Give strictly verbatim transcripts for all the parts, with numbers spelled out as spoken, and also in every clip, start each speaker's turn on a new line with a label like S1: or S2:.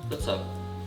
S1: To co?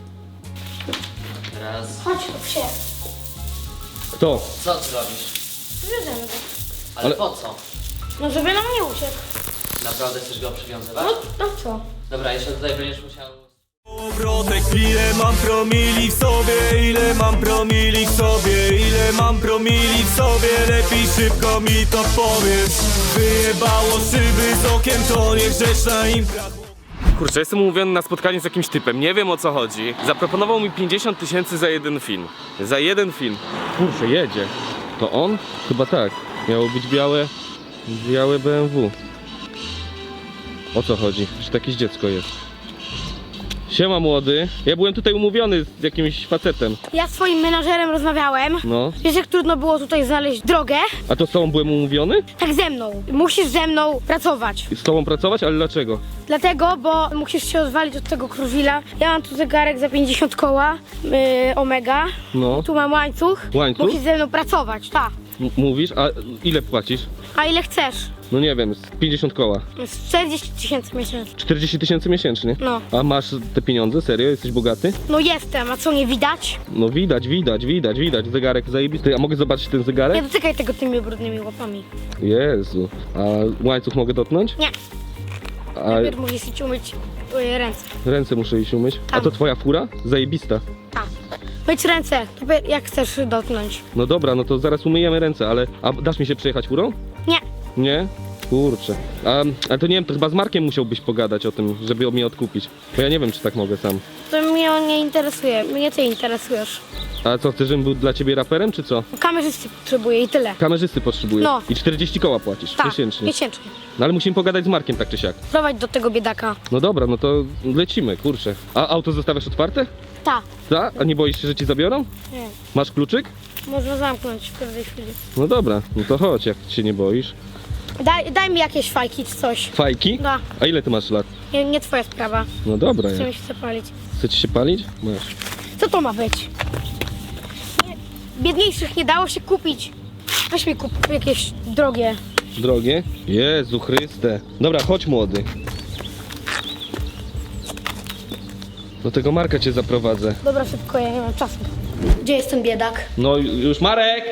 S1: Raz.
S2: Chodź, psie.
S3: Kto?
S1: Co ty robisz?
S2: Bierzemy go.
S1: Ale,
S3: Ale-
S1: po co?
S2: No żeby nam nie uciekł.
S1: Naprawdę chcesz go przywiązywać?
S2: No, no co?
S1: Dobra, jeszcze tutaj będziesz musiał...
S4: Obrotek, ile mam promili w sobie, ile mam promili w sobie, ile mam promili w sobie, lepiej szybko mi to powiedz. Wyjebało szyby z okiem, to niegrzeczna impra.
S3: Kurczę, jestem umówiony na spotkanie z jakimś typem, nie wiem o co chodzi. Zaproponował mi pięćdziesiąt tysięcy za jeden film. Za jeden film. Kurczę, jedzie. To on? Chyba tak. Miało być białe... białe B M W. O co chodzi? Że to jakieś dziecko jest. Siema młody. Ja byłem tutaj umówiony z jakimś facetem.
S2: Ja z swoim menażerem rozmawiałem.
S3: No.
S2: Wiesz, jak trudno było tutaj znaleźć drogę?
S3: A to z tobą byłem umówiony?
S2: Tak ze mną. Musisz ze mną pracować.
S3: Z tobą pracować? Ale dlaczego?
S2: Dlatego, bo musisz się odwalić od tego Cruze'la. Ja mam tu zegarek za pięćdziesiąt koła, yy, Omega.
S3: No.
S2: Tu mam łańcuch.
S3: Łańcuch?
S2: Musisz ze mną pracować, tak.
S3: M- mówisz? A ile płacisz?
S2: A ile chcesz?
S3: No nie wiem, z pięćdziesiąt koła.
S2: Z czterdzieści tysięcy miesięcznie.
S3: czterdzieści tysięcy miesięcznie.
S2: No.
S3: A masz te pieniądze? Serio? Jesteś bogaty?
S2: No jestem, a co nie widać?
S3: No widać, widać, widać, widać. Zegarek zajebisty. A mogę zobaczyć ten
S2: Nie
S3: zegarek?
S2: dotykaj tego tymi brudnymi łapami.
S3: Jezu. A łańcuch mogę dotknąć?
S2: Nie.
S3: A
S2: Najpierw musisz iść umyć twoje ręce.
S3: ręce muszę iść umyć? A
S2: Tam.
S3: to twoja fura? Zajebista.
S2: Tak. Myć ręce, jak chcesz dotknąć.
S3: No dobra, no to zaraz umyjemy ręce, ale... A dasz mi się przejechać furą?
S2: Nie.
S3: Nie? Kurczę. A, a to nie wiem, to chyba z Markiem musiałbyś pogadać o tym, żeby mnie odkupić. Bo ja nie wiem, czy tak mogę sam.
S2: To mnie on nie interesuje, mnie ty interesujesz.
S3: A co, chcesz, żebym był dla ciebie raperem, czy co?
S2: Kamerzysty potrzebuję i tyle.
S3: Kamerzysty potrzebuję.
S2: No.
S3: I czterdzieści koła płacisz
S2: Tak,
S3: miesięcznie.
S2: miesięcznie.
S3: No ale musimy pogadać z Markiem tak czy siak.
S2: Prowadź do tego biedaka.
S3: No dobra, no to lecimy, kurczę. A auto zostawiasz otwarte?
S2: Tak.
S3: Tak? A nie boisz się, że ci zabiorą?
S2: Nie.
S3: Masz kluczyk?
S2: Można zamknąć w każdej chwili.
S3: No dobra, no to chodź, jak się nie boisz.
S2: Daj, daj mi jakieś fajki czy coś.
S3: Fajki?
S2: Da.
S3: A ile ty masz lat?
S2: Nie, nie twoja sprawa.
S3: No dobra,
S2: Chcę
S3: ja.
S2: mi się zapalić.
S3: Chce ci się palić? Masz.
S2: Co to ma być? Nie, biedniejszych nie dało się kupić. Weź mi kup jakieś drogie.
S3: Drogie? Jezu Chryste. Dobra, chodź młody. Do tego Marka cię zaprowadzę.
S2: Dobra, szybko, ja nie mam czasu. Gdzie jest ten biedak?
S3: No już Marek!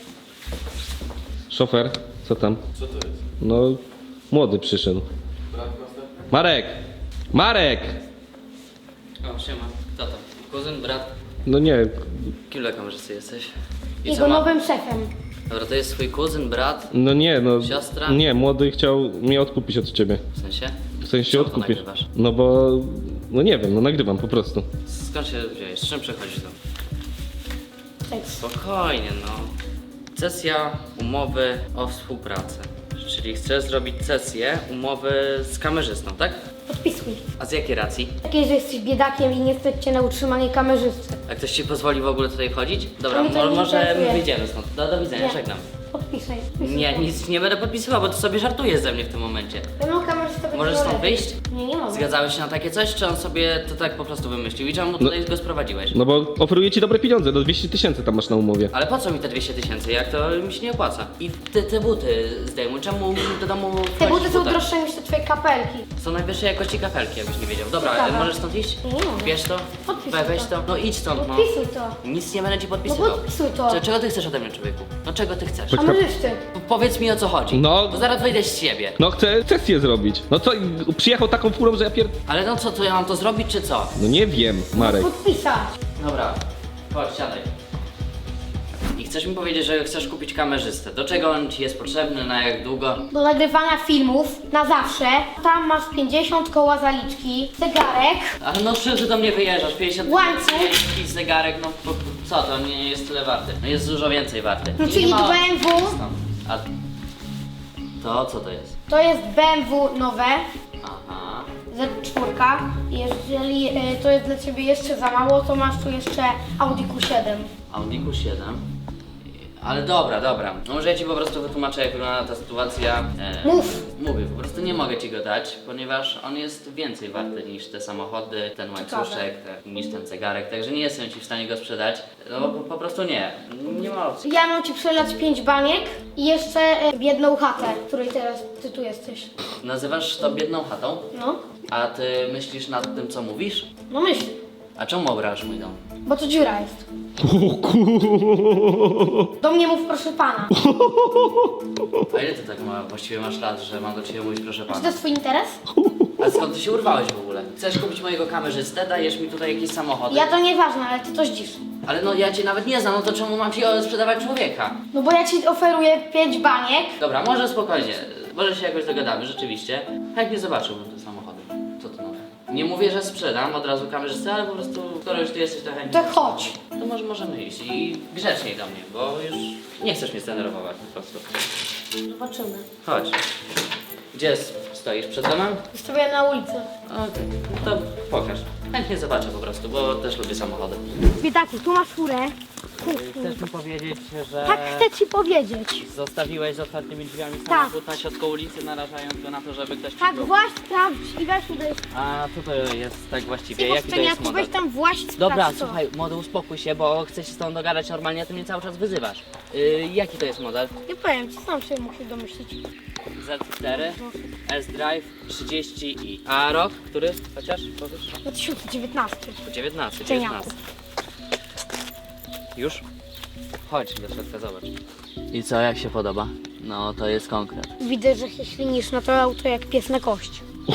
S3: Szofer, co tam?
S5: Co to jest?
S3: No, młody przyszedł.
S5: Brat następny?
S3: Marek! Marek!
S1: O, siema. Kto to? Kuzyn, brat?
S3: No nie,
S1: Kim dla kamerzysty jesteś? I
S2: Jego
S1: co ma?
S2: nowym szefem.
S1: Dobra, to jest twój kuzyn, brat?
S3: no nie, no.
S1: Siostra?
S3: Nie, młody chciał mnie odkupić od ciebie.
S1: W sensie?
S3: W sensie
S1: Czemu to
S3: odkupić.
S1: nagrywasz?
S3: No bo. No nie wiem, no nagrywam po prostu.
S1: Skąd się wziąłeś? Z czym przychodzisz tu?
S2: Seks.
S1: Spokojnie, no. Sesja umowy o współpracę. Czyli chcesz zrobić sesję umowy z kamerzystą, tak?
S2: Podpisuj.
S1: A z jakiej racji?
S2: Takiej, że jesteś biedakiem i nie stać cię na utrzymanie kamerzysty.
S1: A ktoś ci pozwoli w ogóle tutaj chodzić? Dobra,
S2: Mnie to
S1: mo-
S2: nie
S1: może
S2: interesuje.
S1: wyjdziemy stąd. Do, do widzenia,
S2: Nie.
S1: żegnam.
S2: Podpisaj. podpisuj.
S1: Nie, nic nie będę podpisywał, bo ty sobie żartujesz ze mnie w tym momencie.
S2: No kamerzysta będzie
S1: Możesz stąd
S2: lepiej.
S1: wyjść?
S2: Nie, nie mogę.
S1: Zgadzałeś się na takie coś, czy on sobie to tak po prostu wymyślił? I czemu mu tutaj go sprowadziłeś?
S3: No bo oferuję ci dobre pieniądze, do dwieście tysięcy tam masz na umowie.
S1: Ale po co mi te dwieście tysięcy, jak to mi się nie opłaca? I te, te buty zdejmuj, czemu mi do domu
S2: Te
S1: wchodzić
S2: buty
S1: w
S2: są
S1: butach?
S2: droższe niż te twoje kapelki.
S1: Są najwyższej jakości kafelki, jakbyś nie wiedział. Dobra,
S2: Ciekawe.
S1: możesz stąd iść?
S2: Nie mogę.
S1: Bierz to,
S2: Podpisuj
S1: we, weź
S2: to.
S1: to. No idź stąd, no.
S2: Podpisuj to.
S1: Nic nie będę ci podpisywał.
S2: No podpisuj to.
S1: Cze- Czego ty chcesz ode mnie, człowieku? No czego ty chcesz?
S2: Kamerzysty.
S1: Po- Powiedz mi, o co chodzi.
S3: No.
S1: Bo zaraz wyjdę z siebie.
S3: No chcę sesję zrobić. No co, przyjechał taką furą, że ja pier...
S1: Ale no co, to ja mam to zrobić, czy co?
S3: No nie wiem, Marek.
S2: Podpisać.
S1: Dobra, chodź, siadaj. I chcesz mi powiedzieć, że chcesz kupić kamerzystę. Do czego on ci jest potrzebny, na jak długo?
S2: Do nagrywania filmów na zawsze. Tam masz pięćdziesiąt koła zaliczki, zegarek.
S1: Ale no czy ty do mnie wyjeżdżasz? pięćdziesiąt
S2: Łańcuch.
S1: jakiś zegarek, no po- co to, nie jest tyle warty. No jest dużo więcej warty.
S2: No
S1: Nie
S2: czyli
S1: ma-
S2: B M W.
S1: Stąd. A to co to jest?
S2: To jest B M W nowe.
S1: Aha.
S2: Z cztery. Jeżeli e, to jest dla ciebie jeszcze za mało, to masz tu jeszcze Audi Q siedem.
S1: Audi Q siedem. Ale dobra, dobra. No może ja ci po prostu wytłumaczę, jak wygląda ta sytuacja. E,
S2: Mów.
S1: Mówię, po prostu nie mogę ci go dać, ponieważ on jest więcej warty niż te samochody, ten łańcuszek, te, niż ten zegarek, także nie jestem ci w stanie go sprzedać. No po, po prostu nie. Nie ma opcji.
S2: Ja mam ci przelać pięć baniek i jeszcze e, jedną chatę, w której teraz ty tu jesteś.
S1: Nazywasz to biedną chatą,
S2: No,
S1: a ty myślisz nad tym, co mówisz?
S2: no myśl.
S1: A czemu obrażasz mój dom?
S2: Bo to dziura jest.
S3: O kur...
S2: Do mnie mów proszę pana.
S1: A ile ty tak ma, właściwie masz lat, że mam do ciebie mówić proszę
S2: Czy to
S1: pana?
S2: jest twój interes?
S1: A skąd ty się urwałeś w ogóle? Chcesz kupić mojego kamerzystę, dajesz mi tutaj jakieś samochody?
S2: Ja to nieważne, ale ty to zdzisz.
S1: Ale no ja cię nawet nie znam, no to czemu mam ci sprzedawać człowieka?
S2: No bo ja ci oferuję pięć baniek.
S1: Dobra, może spokojnie, może się jakoś dogadamy, rzeczywiście. Chętnie zobaczyłbym te samochody. Co to nowe? Nie mówię, że sprzedam od razu kamerzystę, ale po prostu, skoro już ty jesteś to chętnie.
S2: To chodź.
S1: To może możemy iść i grzeczniej do mnie, bo już nie chcesz mnie zdenerwować po prostu.
S2: Zobaczymy.
S1: Chodź. Gdzie s- stoisz? Przed domem?
S2: Wystawiam na ulicę.
S1: Okej, no to pokaż. Chętnie zobaczę po prostu, bo też lubię samochody.
S2: Biedaku, tu masz furę.
S1: Chcesz mi powiedzieć, że
S2: Tak chcę ci powiedzieć.
S1: zostawiłeś z otwartymi drzwiami
S2: Tak.
S1: samochód na środku ulicy, narażając go na to, żeby ktoś
S2: Tak,
S1: przybył?
S2: właśnie sprawdź i weź tutaj.
S1: A co to jest tak właściwie?
S2: Ty
S1: Jaki to jest
S2: weź
S1: model?
S2: tam właśnie sprawdź
S1: Dobra,
S2: co.
S1: słuchaj, młody, uspokój się, bo chcę się z tobą dogadać normalnie, a ty mnie cały czas wyzywasz. Yy, jaki to jest model?
S2: Nie powiem ci, sam sobie musisz domyślić.
S1: Z cztery, S-Drive trzydzieści i. A rok? Który? Chociaż? Powiesz?
S2: dwa tysiące dziewiętnasty.
S1: dziewiętnasty,
S2: Cieniaku.
S1: dziewiętnasty. Już? Chodź do środka, zobacz. I co, jak się podoba? No, to jest konkret.
S2: Widzę, że się ślinisz na to auto jak pies na kość.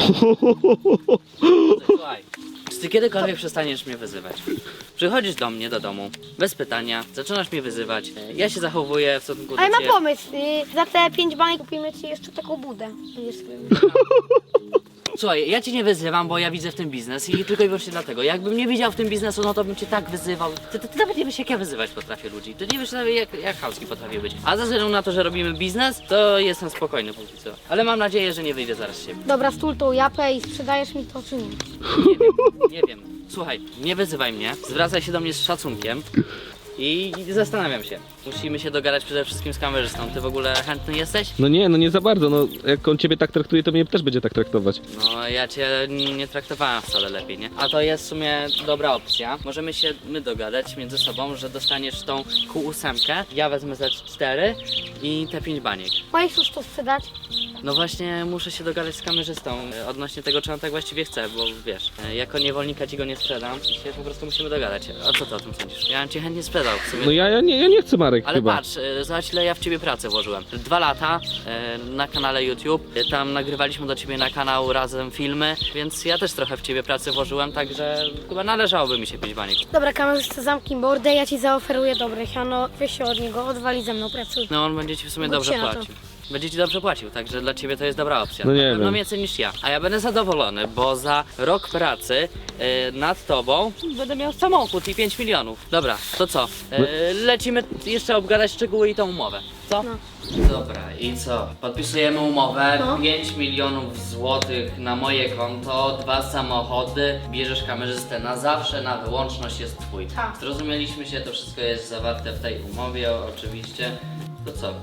S1: Słuchaj, czy ty kiedykolwiek przestaniesz mnie wyzywać? Przychodzisz do mnie, do domu, bez pytania, zaczynasz mnie wyzywać, ja się zachowuję w stosunku do
S2: Ale
S1: ciebie.
S2: mam pomysł, y, za te pięć baniek kupimy ci jeszcze taką budę. Będziesz sobie...
S1: Słuchaj, ja cię nie wyzywam, bo ja widzę w tym biznes i tylko i wyłącznie dlatego. Jakbym nie widział w tym biznesu, no to bym cię tak wyzywał. Ty, ty, ty nawet nie wiesz, jak ja wyzywać potrafię ludzi. Ty nie wiesz nawet, jak, jak chamski potrafię być. A ze względu na to, że robimy biznes, to jestem spokojny póki co. Ale mam nadzieję, że nie wyjdę zaraz z siebie.
S2: Dobra, stul tą japę i sprzedajesz mi to czy nie?
S1: Nie wiem, nie wiem. Słuchaj, nie wyzywaj mnie, zwracaj się do mnie z szacunkiem. I zastanawiam się. Musimy się dogadać przede wszystkim z kamerzystą. Ty w ogóle chętny jesteś?
S3: No nie, no nie za bardzo, no jak on ciebie tak traktuje, to mnie też będzie tak traktować.
S1: No ja cię nie traktowałem wcale lepiej, nie? A to jest w sumie dobra opcja. Możemy się my dogadać między sobą, że dostaniesz tą Q osiem, ja wezmę Z cztery i te pięć baniek.
S2: Możesz już to sprzedać?
S1: No właśnie muszę się dogadać z kamerzystą e, odnośnie tego, czy on tak właściwie chce, bo wiesz, e, jako niewolnika ci go nie sprzedam i się po prostu musimy dogadać. A co ty o tym sądzisz? Ja bym ci chętnie sprzedał w sumie.
S3: No ja, ja, nie, ja nie chcę, Marek,
S1: Ale
S3: chyba.
S1: patrz, e, zobacz ile ja w ciebie pracę włożyłem. Dwa lata e, na kanale YouTube, e, tam nagrywaliśmy do ciebie na kanał razem filmy, więc ja też trochę w ciebie pracy włożyłem, także chyba należałoby mi się pięć baniek.
S2: Dobra, kamerzysta, zamknij mordę, ja ci zaoferuję dobre siano, weź się od niego, odwali ze mną, pracuj.
S1: No on będzie ci w sumie
S2: Bądź
S1: dobrze
S2: się na to.
S1: płacił. Będzie ci dobrze płacił, także dla ciebie to jest dobra opcja.
S3: No nie
S1: Na pewno
S3: wiem.
S1: więcej niż ja. A ja będę zadowolony, bo za rok pracy e, nad tobą będę miał samochód i pięć milionów. Dobra, to co? E, lecimy jeszcze obgadać szczegóły i tą umowę. Co?
S2: No.
S1: Dobra, i co? Podpisujemy umowę,
S2: No.
S1: pięć milionów złotych na moje konto, dwa samochody, bierzesz kamerzystę na zawsze, na wyłączność jest twój.
S2: Tak.
S1: Zrozumieliśmy się, to wszystko jest zawarte w tej umowie, oczywiście. To co?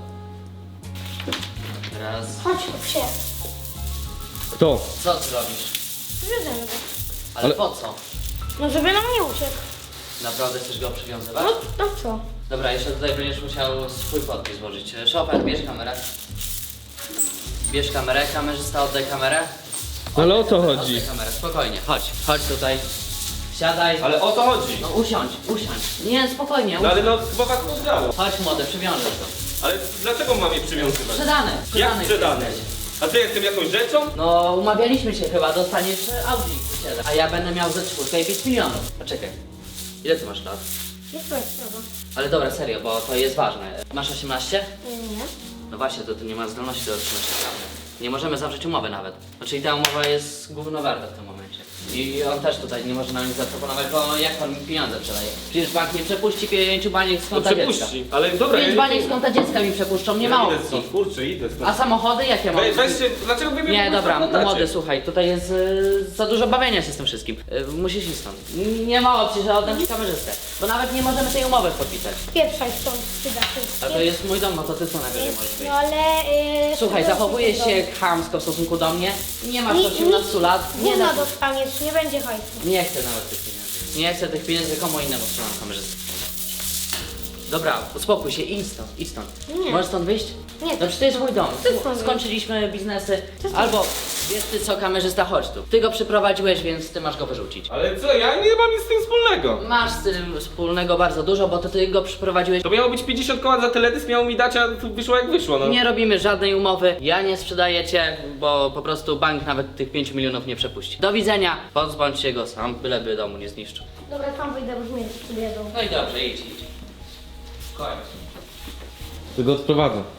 S1: Raz.
S2: Chodź, chodź się.
S3: Kto?
S1: Co ty robisz?
S2: Zjedziemy go.
S1: Ale,
S3: Ale-
S1: po co?
S2: No żeby nam nie uciekł.
S1: Naprawdę chcesz go przywiązywać?
S2: No, no co?
S1: Dobra, jeszcze tutaj będziesz musiał swój podpis włożyć. Chopin, bierz kamerę. Bierz kamerę, kamerzysta, oddaj kamerę.
S3: No ale o co chodzi?
S1: Oddaj kamerę, spokojnie, chodź, chodź tutaj. Siadaj.
S3: Ale o co chodzi?
S1: No usiądź, usiądź. Nie, spokojnie,
S3: No ale
S1: usiądź.
S3: no chyba was rozdało.
S1: Chodź młody, przywiążesz go.
S3: Ale dlaczego mam je przywiązywać?
S1: Sprzedany,
S3: Jak
S1: sprzedany.
S3: sprzedany?
S1: jesteś.
S3: A ty jestem jakąś rzeczą?
S1: No umawialiśmy się chyba, dostaniesz Audi u siebie. A ja będę miał ze czwórkę i pięć milionów. Poczekaj. Ile ty masz lat?
S2: Nie twoja sprawa.
S1: Ale dobra, serio, bo to jest ważne. Masz osiemnaście?
S2: Nie, nie.
S1: No właśnie, to ty nie masz zdolności do otrzymania prawnej. Nie możemy zawrzeć umowy nawet. Znaczy i ta umowa jest gówno warta w tym momencie. I on też tutaj nie może nam nic zaproponować, bo jak on mi pieniądze przeleje? Przecież bank nie przepuści pięciu baniek z
S3: No
S1: konta dziecka.
S3: przepuści. Ale dobra,
S1: Pięć
S3: ja
S1: baniek z konta dziecka mi przepuszczą, nie ma
S3: ja idę
S1: opcji.
S3: stąd, kurczę, idę stąd.
S1: A samochody jakie mam?
S3: Weź, weźcie, dlaczego wy mnie
S1: Nie,
S3: w ogóle
S1: dobra,
S3: oglądacie?
S1: młody, słuchaj, tutaj jest y, za dużo bawienia się z tym wszystkim. Y, musisz iść stąd. Nie ma opcji, że oddam ci kamerzystę. Bo nawet nie możemy tej umowy podpisać.
S2: Pieprzaj stąd, biedaku.
S1: A to jest mój dom, no to ty co najwyżej możesz wyjść.
S2: No ale... Yy,
S1: Słuchaj,
S2: to-
S1: zachowujesz
S2: to-
S1: się chamsko w stosunku do mnie. Nie masz
S2: Ni-
S1: osiemnastu lat. Nie,
S2: Gówno
S1: da,
S2: dostaniesz, nie będzie hajsu.
S1: nie chcę nawet tych pieniędzy. Nie chcę tych pieniędzy, komu innemu trzymam kamerzystę. Dobra, uspokój się, idź stąd, idź stąd.
S2: Nie.
S1: Możesz stąd wyjść?
S2: Nie,
S1: No przecież to jest mój dom.
S2: Ty stąd wyjdź.
S1: Skończyliśmy biznesy. Albo wiesz ty co, kamerzysta, chodź tu. Ty go przyprowadziłeś, więc ty masz go wyrzucić.
S3: Ale co, ja nie mam nic z tym wspólnego. wspólnego?
S1: Masz z tym wspólnego bardzo dużo, bo to ty go przyprowadziłeś.
S3: To miało być pięćdziesiąt koła za teledysk, miało mi dać, a tu wyszło jak wyszło, no.
S1: Nie robimy żadnej umowy, ja nie sprzedaję cię, bo po prostu bank nawet tych pięciu milionów nie przepuści. Do widzenia, pozbądź się go sam, byleby domu nie zniszczył.
S2: Dobra, tam wyjdę, bo mnie przyjedą.
S1: No i dobrze, idź, idź. Koniec.
S3: Ty go odprowadzę.